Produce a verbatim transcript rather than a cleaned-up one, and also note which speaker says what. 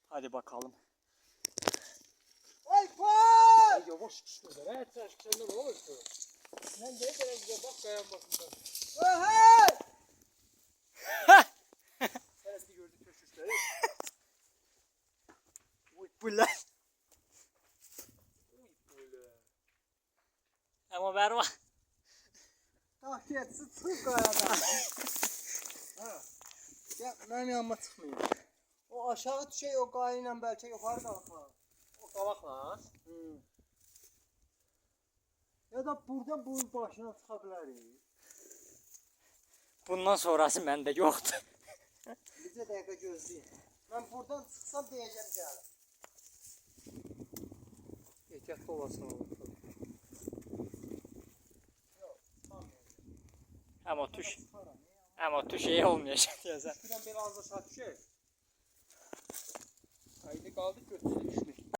Speaker 1: Hadi bakalım.
Speaker 2: Ay koy!
Speaker 3: Ay yavaş çıkıyor. Her taş kendine ne olursa. Sen de kadar güzel bak kayan bakımda.
Speaker 2: Hey!
Speaker 3: Seresi gördük köşüşleri.
Speaker 1: Uy bu lan.
Speaker 3: Uy böyle.
Speaker 1: Ama ver var.
Speaker 2: Tahkiyat sıçrıp kayadan. Ha. Ya benim yanıma çıkmıyor. O aşağı düşey o kayayla belki yukarı kalkar.
Speaker 3: O kavak lan.
Speaker 2: Hmm. Ya da burada bunun başına çıkabiliriz.
Speaker 1: Bundan sonrası bende yoktu.
Speaker 2: Bir de dakika gözleyin. Ben buradan çıksam diyeceğim canım.
Speaker 3: Ehtiyatlı olasın oğlum.
Speaker 2: Yok, tamam.
Speaker 1: Ama tuş. Ama tuş şey olmayacak ya sen.
Speaker 3: Şuradan biraz da saat şey. Haydi kaldık götürsün işte.